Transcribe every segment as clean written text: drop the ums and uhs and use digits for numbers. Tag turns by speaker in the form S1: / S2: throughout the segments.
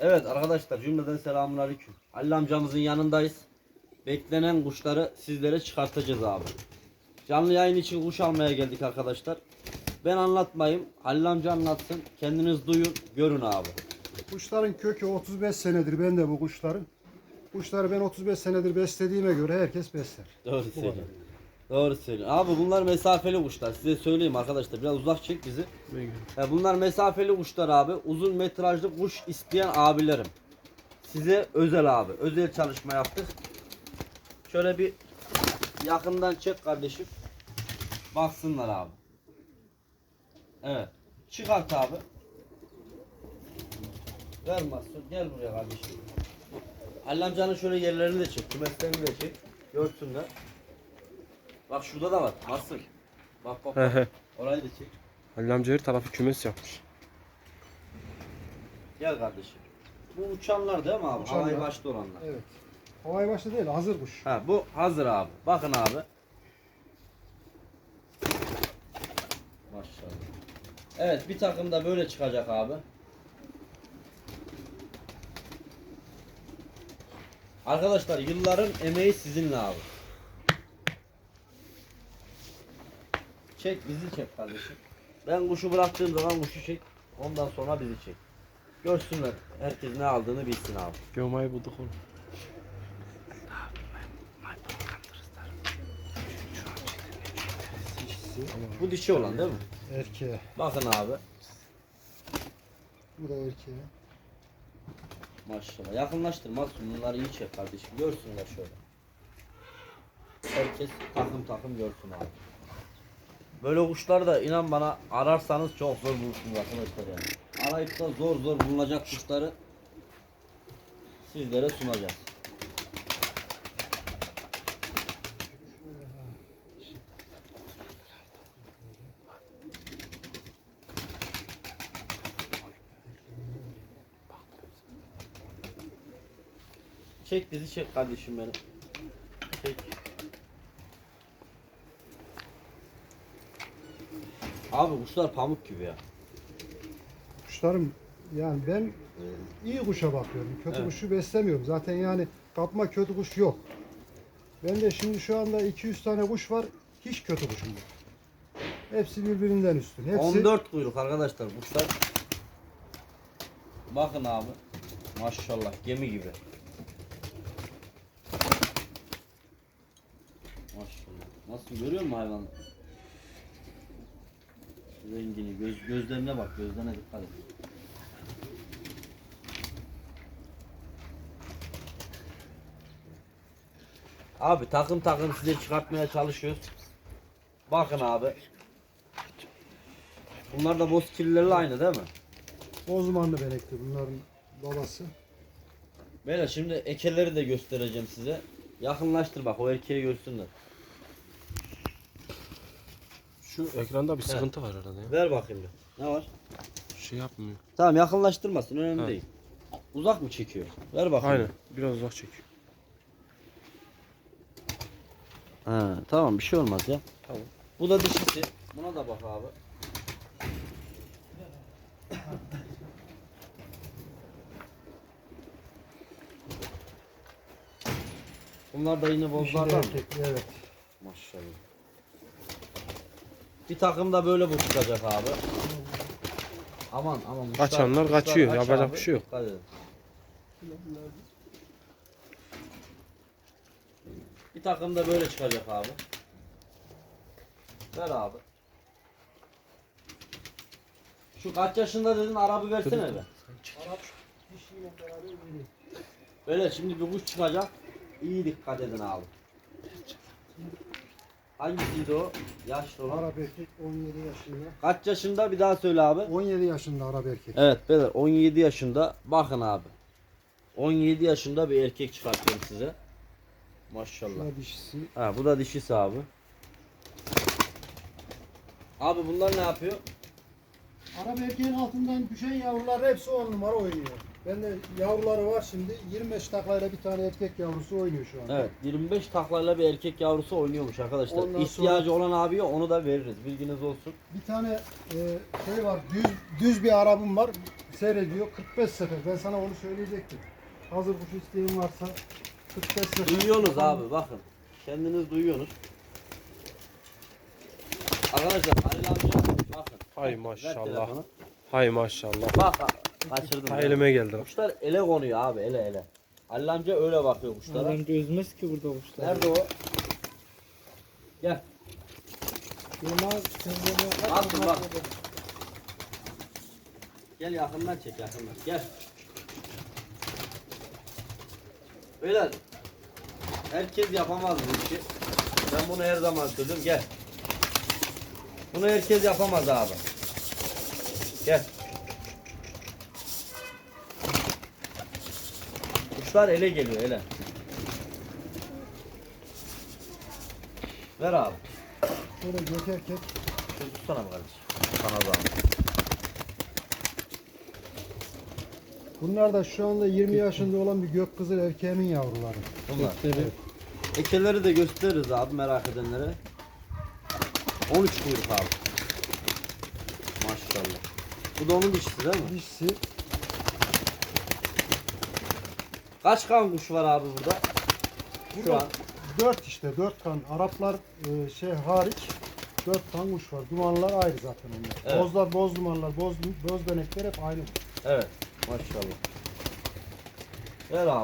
S1: Evet arkadaşlar, cümleden selamünaleyküm. Halil amcamızın yanındayız. Beklenen kuşları sizlere çıkartacağız abi. Canlı yayın için kuş almaya geldik arkadaşlar. Ben anlatmayayım, Halil amca anlatsın. Kendiniz duyun, görün abi.
S2: Kuşların kökü 35 senedir bende bu kuşların. Kuşları ben 35 senedir beslediğime göre herkes besler.
S1: Doğru söylüyorsun. Doğru söylüyorsun. Abi bunlar mesafeli kuşlar. Size söyleyeyim arkadaşlar. Biraz uzak çek bizi. Bunlar mesafeli kuşlar abi. Uzun metrajlı kuş isteyen abilerim. Size özel abi. Özel çalışma yaptık. Şöyle bir yakından çek kardeşim. Baksınlar abi. Evet. Çıkart abi. Ver Mahsun. Gel buraya kardeşim. Halil amcanın şöyle yerlerini de çek. Kümeslerini de çek. Görsünler. Bak şurada da var. Mahsun. Bak bak. bak. Orayı da çek.
S3: Halil amca her tarafı kümes yapmış.
S1: Gel kardeşim. Bu uçanlar değil mi abi?
S2: Uçanlar.
S1: Havayı başta olanlar.
S2: Evet. Havai başta değil, hazır kuş.
S1: Ha, bu hazır abi. Bakın abi. Maşallah. Evet, bir takım da böyle çıkacak abi. Arkadaşlar yılların emeği sizinle abi. Çek, bizi çek kardeşim. Ben kuşu bıraktığım zaman kuşu çek. Ondan sonra bizi çek. Görsünler. Herkes ne aldığını bilsin abi.
S3: Gömayı bulduk oğlum.
S1: Bu dişi olan değil mi?
S2: Erkeğe.
S1: Bakın abi.
S2: Bu da erkeğe.
S1: Maşallah. Yakınlaştır Mahsun. Bunları iyi çek kardeşim. Görsünler şöyle. Herkes takım takım görsün abi. Böyle kuşlar da inan bana ararsanız çok zor bulursunuz arkadaşlar yani. Arayıp da zor zor bulunacak kuşları sizlere sunacağız. Çek bizi çek kardeşim benim. Çek. Abi kuşlar pamuk gibi ya.
S2: Kuşlarım yani ben iyi kuşa bakıyorum. Kötü
S1: Evet.
S2: kuşu beslemiyorum. Zaten yani kapma kötü kuş yok. Ben de şimdi şu anda 200 tane kuş var. Hiç kötü kuşum yok. Hepsi birbirinden üstün. Hepsi
S1: 14 kuyruk arkadaşlar kuşlar. Bakın abi. Maşallah gemi gibi. Maşallah. Nasıl görüyor musun hayvanı? Rengini, gözlerine bak, gözlerine dikkat et. Abi takım takım size çıkartmaya çalışıyoruz. Bakın abi. Bunlar da boz kirlilerle aynı değil mi?
S2: Bozmanlı benekli bunların babası.
S1: Böyle şimdi ekeleri de göstereceğim size. Yakınlaştır bak, o erkeği görsünler.
S3: Şu ekranda bir sıkıntı var arada ya.
S1: Ver bakayım bir. Ne var?
S3: Şey yapmıyor.
S1: Tamam, yakınlaştırmasın, önemli
S3: Ha.
S1: değil. Uzak mı çekiyor? Ver bakayım.
S3: Aynen. Biraz uzak çekiyor.
S1: Ha, tamam, bir şey olmaz ya.
S3: Tamam.
S1: Bu da dişisi. Buna da bak abi. Bunlar da yine
S2: Dişi de
S1: bozlardan mı?
S2: erkekli, evet.
S1: Maşallah. Bir takım da böyle bu çıkacak abi. Aman aman.
S3: Kaçanlar kaçıyor,
S1: aç
S3: yapacak
S1: abi,
S3: bir şey yok.
S1: dikkat edin. Bir takım da böyle çıkacak abi. Ver abi. Şu kaç yaşında dedin, arabı versene be.
S2: Dişiyle beraber yeni.
S1: Böyle şimdi bir kuş çıkacak. İyi dikkat edin abi. Hangisiydi o? Yaşlı olan.
S2: Arap erkek 17 yaşında.
S1: Kaç yaşında, bir daha söyle abi.
S2: 17 yaşında Arap erkek.
S1: Evet beyler, 17 yaşında. Bakın abi. 17 yaşında bir erkek çıkartıyorum size. Maşallah.
S2: Şuna dişisi.
S1: Ha, bu da dişisi abi. Abi bunlar ne yapıyor?
S2: Arap erkeğin altından düşen yavrular hepsi 10 numara oynuyor. Bende yavruları var şimdi. 25 taklayla bir tane erkek yavrusu oynuyor şu anda.
S1: Evet 25 taklayla bir erkek yavrusu oynuyormuş arkadaşlar.
S2: Ondan
S1: İhtiyacı olan abiye onu da veririz. Bilginiz olsun.
S2: Bir tane şey var, düz bir Arap'ım var. Seyrediyor 45 sefer. Ben sana onu söyleyecektim. Hazır kuş isteğin varsa 45 sefer.
S1: Duyuyorsunuz abi bakın. Kendiniz duyuyorsunuz. Arkadaşlar Halil amca bakın.
S3: Hay
S1: Ver
S3: maşallah.
S1: telefonu.
S3: Hay maşallah.
S1: Bak kaçırdım.
S3: Ha,
S1: ya.
S3: elime geldi.
S1: Kuşlar ele konuyor abi ele. Halil amca öyle bakıyor kuşlara.
S4: Bence üzmez ki burada kuşlar.
S1: Nerede o? Gel.
S4: Yılmaz sen bunu
S1: Bak bak. Gel yakından çek yakından. Gel. Beyler. Herkes yapamaz bu işi. Ben bunu her zaman söylüyorum. Gel. Bunu herkes yapamaz abi. Gel. Kuşlar ele geliyor ele. Ver abi.
S2: Şöyle gökerken
S1: Şunu tutsana mı kardeşim? Sana zahmet.
S2: bunlar da şu anda 20 yaşında olan bir gökkızıl erkeğimin yavruları.
S1: Bunlar.
S2: Evet.
S1: Ekeleri de gösteririz abi merak edenlere. 13 kuyruk abi. Maşallah. Bu da onun dişisi değil mi?
S2: Dişisi
S1: Kaç kan kuş var abi burada? Şu an.
S2: 4 işte 4 kan. Araplar şey hariç 4 kan kuş var. Dumanlar ayrı zaten onlar.
S1: Evet.
S2: Bozlar, boz dumanlar, boz dönekler hep aynı.
S1: Evet. Maşallah. Ver abi.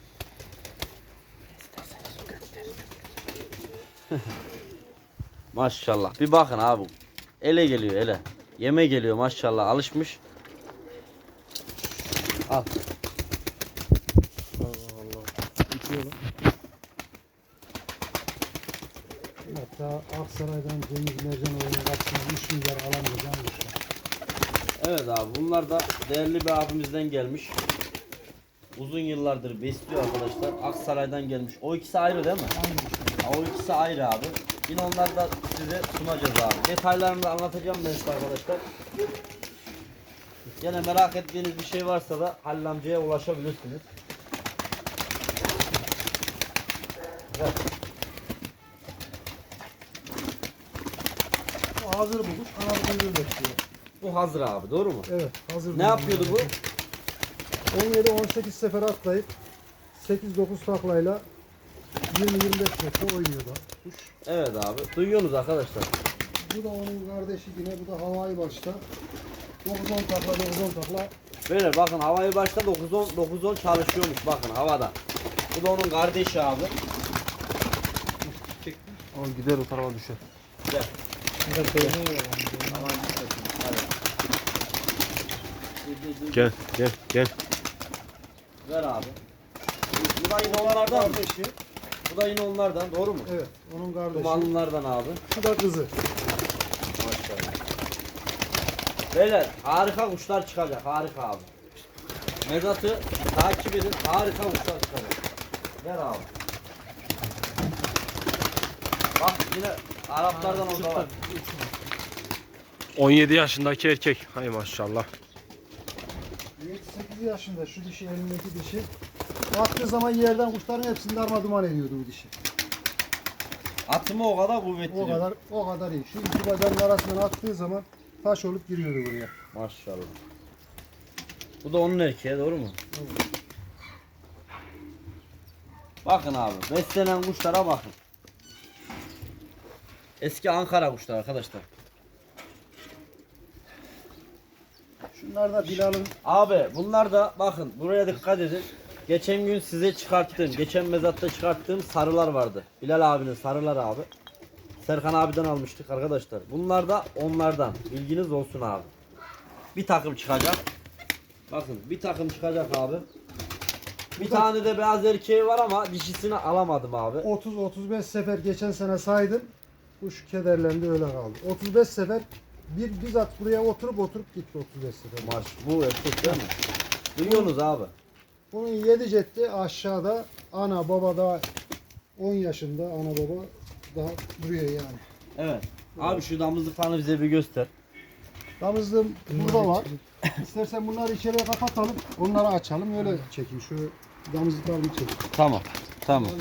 S1: Maşallah. Bir bakın abi. Ele geliyor ele. Yeme geliyor maşallah. Alışmış. Al.
S3: Allah Allah. Bitiyor lan.
S2: Hatta Aksaray'dan Cengiz Mercanoğlu'nun kapısına 3 milyar alamayacağım kuşlar.
S1: Evet abi bunlar da değerli bir abimizden gelmiş. Uzun yıllardır besliyor arkadaşlar. Aksaray'dan gelmiş. O ikisi ayrı değil mi?
S2: Aynı kuşlar.
S1: Ha, o ikisi ayrı abi. Yine onları da size sunacağız abi. Detaylarını da anlatacağım ben size arkadaşlar. Yine merak ettiğiniz bir şey varsa da Halil amcaya ulaşabilirsiniz. Evet.
S2: O hazır bu kuş. Kanat kuyruğu bekliyor.
S1: Bu hazır abi doğru mu?
S2: Evet hazır.
S1: Ne yapıyordu bu?
S2: 17-18 sefer atlayıp 8-9 taklayla 20-25 metre oynuyordu kuş.
S1: Evet abi. Duyuyorsunuz arkadaşlar.
S2: Bu da onun kardeşi yine. Bu da havai başta. 9-10 takla 9-10 takla.
S1: Böyle bakın havayı başta 9-10 çalışıyormuş bakın havada. Bu da onun kardeşi abi.
S3: Al gider o tarafa düşer.
S1: Gel.
S4: burada beğeniyor yani.
S3: Gel gel gel.
S1: Ver abi. Bu da yine onlardan mı?
S2: Kardeşi.
S1: Bu da yine onlardan doğru mu?
S2: Evet onun kardeşi.
S1: Dumanlılardan abi.
S2: Şu da kızı.
S1: Maşallah. Beyler harika kuşlar çıkacak harika abi. Mezat'ı takip edin harika kuşlar çıkacak. Ver abi. Bak yine Araplardan orada var.
S3: 17 yaşındaki erkek. Hay maşallah.
S2: 7-8 yaşında şu dişi elindeki dişi. Baktığı zaman yerden kuşların hepsini darmaduman ediyordu bu dişi.
S1: Atımı o kadar kuvvetli.
S2: O kadar iyi. Şu iki bacağın arasından attığı zaman taş olup giriyordu buraya.
S1: Maşallah. Bu da onun erkeği doğru mu?
S2: Evet.
S1: Bakın abi beslenen kuşlara bakın. Eski Ankara kuşları arkadaşlar.
S2: Şunlar da Bilal'ın
S1: Abi bunlar da bakın buraya dikkat edin. Geçen gün size çıkarttığım, geçen mezatta çıkarttığım sarılar vardı. Bilal abinin sarılar abi. Serkan abiden almıştık arkadaşlar. Bunlar da onlardan. Bilginiz olsun abi. Bir takım çıkacak. Bakın bir takım çıkacak abi. Bir tane de beyaz erkeği var ama dişisini alamadım abi.
S2: 30-35 sefer geçen sene saydım. Kuş kederlendi öyle kaldı. 35 sefer bizzat buraya oturup gitti 35 sefer.
S1: Maş bu erkek değil mi? Duyuyorsunuz abi.
S2: Bunun 7 cetti aşağıda ana baba da 10 yaşında ana baba daha duruyor yani.
S1: Evet. Abi şu damızlıklarını bize bir göster.
S2: Damızlığım burada var. İstersen bunları içeriye kapatalım. Onları açalım. Öyle çekeyim. Şu damızlıklarını çekeyim.
S1: Tamam. Tamam.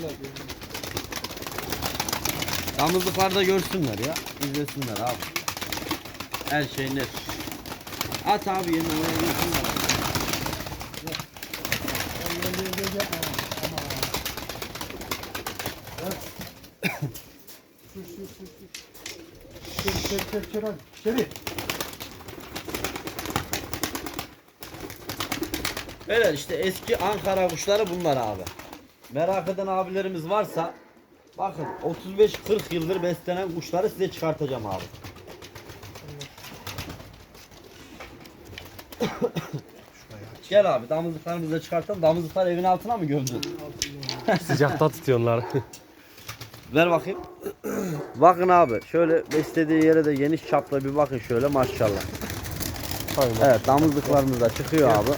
S1: Damızlıkları da görsünler ya. İzlesinler abi. Her şey net. At abi yerine oraya görsünler.
S2: Sür hadi. İçeri.
S1: Beyler işte eski Ankara kuşları bunlar abi. Merak eden abilerimiz varsa bakın 35-40 yıldır beslenen kuşları size çıkartacağım abi. Gel abi damızlıklarımızı da çıkartalım. Damızlıklar evin altına mı gömdün?
S3: Sıcakta tutuyorlar.
S1: Ver bakayım. Bakın abi şöyle beslediği yere de geniş çaplı bir bakın şöyle maşallah.
S3: Hay maşallah.
S1: Evet damızlıklarımız da çıkıyor abi.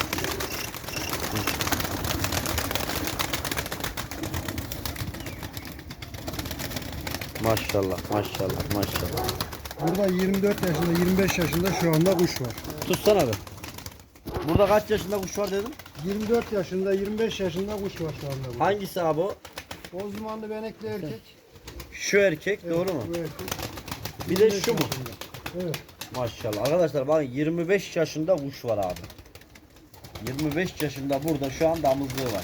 S1: Maşallah maşallah maşallah.
S2: Burada 24 yaşında 25 yaşında şu anda kuş var.
S1: Tutsana be. Burada kaç yaşında kuş var dedim?
S2: 24 yaşında 25 yaşında kuş var şu anda. Burada.
S1: Hangisi abi o?
S2: Bozdumanlı benekli erkek.
S1: Şu erkek doğru mu?
S2: Bu erkek.
S1: Bir de
S2: 25
S1: şu mu?
S2: yaşında. Evet.
S1: Maşallah. Arkadaşlar bakın 25 yaşında kuş var abi. 25 yaşında burada şu an damızlığı var.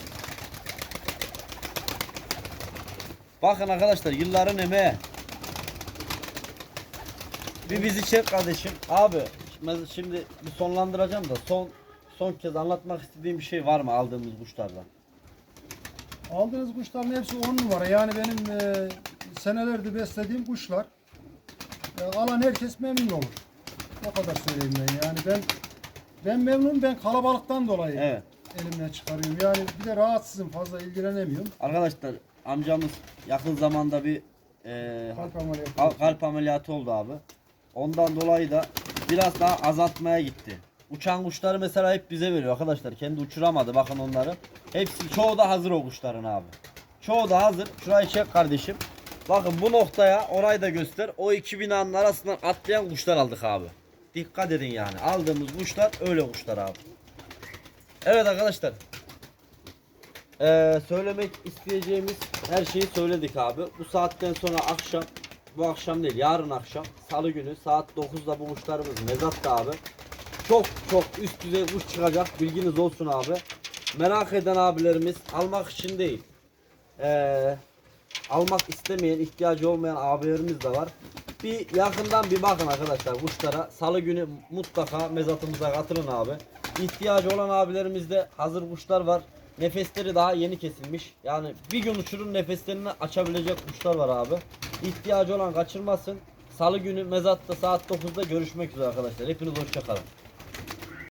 S1: Bakın arkadaşlar yılların emeği. Bir bizi çek kardeşim. Abi şimdi bir sonlandıracağım da son kez anlatmak istediğim bir şey var mı aldığımız kuşlardan?
S2: Aldığınız kuşların hepsi 10 numara. Yani benim senelerdir beslediğim kuşlar. Alan herkes memnun olur. O kadar söyleyeyim ben. Yani ben memnunum. Ben kalabalıktan dolayı
S1: Evet.
S2: elimden çıkarıyorum. Yani bir de rahatsızım. Fazla ilgilenemiyorum.
S1: Arkadaşlar amcamız yakın zamanda bir
S2: Kalp ameliyatı.
S1: kalp ameliyatı oldu abi. Ondan dolayı da biraz daha azaltmaya gitti. Uçan kuşları mesela hep bize veriyor arkadaşlar. Kendi uçuramadı bakın onları. Hepsi çoğu da hazır o kuşların abi. Çoğu da hazır. Şurayı çek kardeşim. Bakın bu noktaya orayı da göster. O iki binanın arasından atlayan kuşlar aldık abi. Dikkat edin yani. Aldığımız kuşlar öyle kuşlar abi. Evet arkadaşlar. Söylemek isteyeceğimiz her şeyi söyledik abi. Bu saatten sonra akşam, bu akşam değil yarın akşam salı günü saat 9'da bu kuşlarımız mezatta abi. Çok üst düzey kuş çıkacak, bilginiz olsun abi. Merak eden abilerimiz almak için değil, almak istemeyen, ihtiyacı olmayan abilerimiz de var. Bir yakından bir bakın arkadaşlar kuşlara. Salı günü mutlaka mezatımıza katılın abi. İhtiyacı olan abilerimizde hazır kuşlar var. Nefesleri daha yeni kesilmiş. Yani bir gün uçurun nefeslerini açabilecek kuşlar var abi. İhtiyacı olan kaçırmasın. Salı günü mezatta saat 9'da görüşmek üzere arkadaşlar. Hepiniz hoşça kalın.